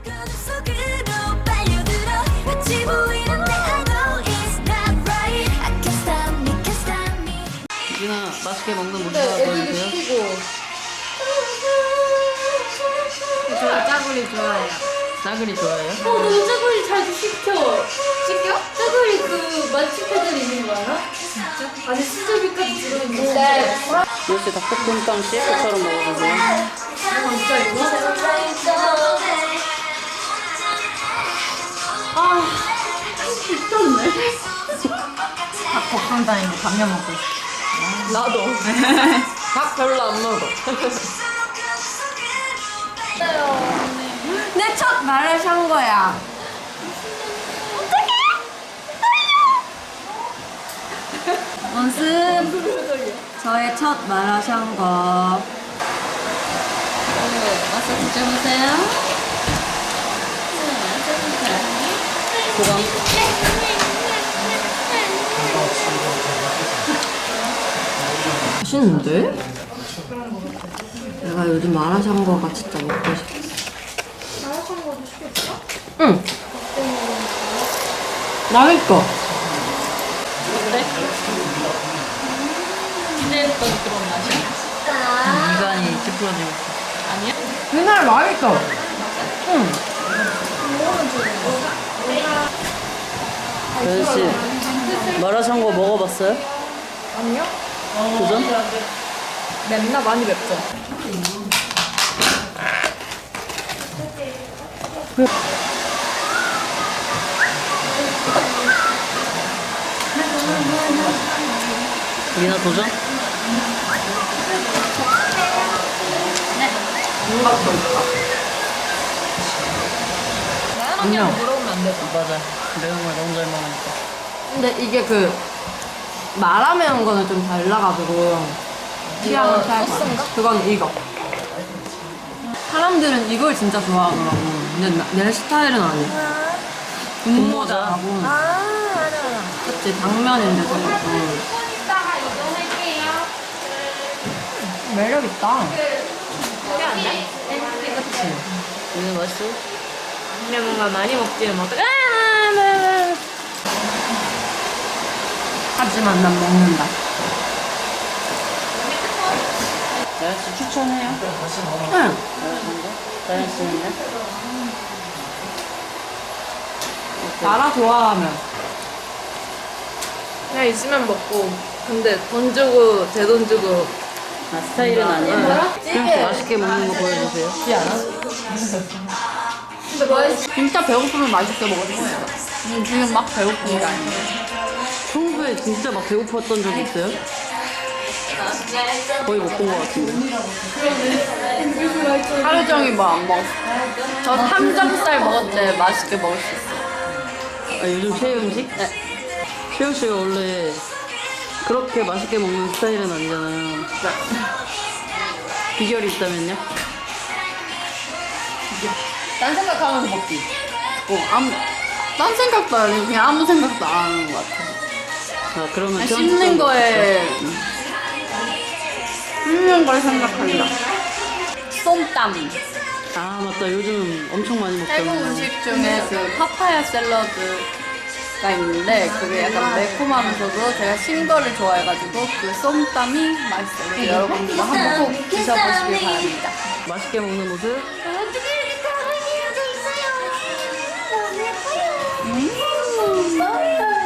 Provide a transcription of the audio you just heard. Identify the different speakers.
Speaker 1: 유진아 맛있게 먹는 모습 보여주세요.
Speaker 2: 저 짜구리 좋아해요.
Speaker 1: 싸그리 좋아해요?
Speaker 2: 너무 짜구리 자주 시켜. 시켜? 짜구리 그 맛집 애들 있는 거 알아? 진짜? 안에 수제비까지 들어있는 거.
Speaker 1: 역시 닭볶음탕 CF처럼 먹어보세요.
Speaker 2: 진짜 이거? 미쳤네.
Speaker 3: 닭볶음탕인데 감면 먹고 있어.
Speaker 2: 나도. 밥 별로 안 먹어.
Speaker 3: 내 첫 마라샹궈야. 어떡해? 원습. 저의 첫 마라샹궈.
Speaker 2: 와서 드셔보세요.
Speaker 1: 그럼
Speaker 3: 맛있는데? 내가 요즘 마라샹궈가 진짜 먹고 싶어.
Speaker 2: 마라샹궈도 시켰어?
Speaker 3: 응. 맛있어.
Speaker 1: 어때?
Speaker 2: 기대했던 그런 맛이야?
Speaker 1: 미간이 찌푸러지고 있어.
Speaker 2: 아니야?
Speaker 3: 그날 맛있어. 응.
Speaker 1: 여진씨 마라샹궈 먹어봤어요?
Speaker 2: 아니요?
Speaker 1: 도전?
Speaker 2: 맵나? 많이 맵죠?
Speaker 1: 리나 도전?
Speaker 3: 윤곽도 있다.
Speaker 2: 나연언니랑 물어보면 안 되죠?
Speaker 1: 맞아. 매운 걸 너무 잘 먹으니까.
Speaker 3: 근데 이게 그 마라매운 거는 좀 달라가지고 취향은 차이
Speaker 2: 소스인가?
Speaker 3: 그건 이거. 사람들은 이걸 진짜 좋아하더라고. 근데 내 스타일은 아니야. 분모자하고. 그치, 당면인데 저것도. 매력있다.
Speaker 1: 리나 맛있어?
Speaker 2: 근데 뭔가 많이 먹지는 못해.
Speaker 3: 하지만 난 먹는다.
Speaker 1: 나연씨 추천해요?
Speaker 3: 응.
Speaker 1: 나연씨는요?
Speaker 3: 마라 좋아하면.
Speaker 2: 그냥 있으면 먹고. 근데 돈 주고, 제 돈 주고.
Speaker 1: 아, 스타일은 아니에요?
Speaker 2: 찌개.
Speaker 1: 맛있게 먹는 거 보여주세요.
Speaker 2: 근데 맛있어.
Speaker 3: 진짜 배고프면 맛있게 먹을 수 있어. 지금 막 배고픈 게 아니야.
Speaker 1: 평소에 진짜 막 배고팠던 적 있어요? 거의 못 본 것 같은데.
Speaker 3: 하루 종일 뭐 안 먹었어. 저 삼겹살 먹을 때 맛있게 먹을 수 있어.
Speaker 1: 아, 요즘 최애 음식? 네. 최우 씨가 원래 그렇게 맛있게 먹는 스타일은 아니잖아요. 비결이 있다면요?
Speaker 3: 딴 생각하면서 먹기. 딴 생각도 아니고 그냥 아무 생각도 안 하는 것 같아.
Speaker 1: 아, 그러면
Speaker 3: 그냥 씹는 거에 씹는 걸 생각한다. 쏨땀.
Speaker 1: 아, 맞다. 요즘 엄청 많이
Speaker 3: 태국
Speaker 1: 먹잖아요.
Speaker 3: 음식 중에 그 파파야 샐러드가 있는데 그게 약간 매콤하면서도 제가 신 거를 좋아해가지고 그 쏨땀이 맛있어요. 그래서 여러분들도 한번 꼭 드셔보시길 바랍니다.
Speaker 1: 맛있게 먹는 모습?
Speaker 3: 음.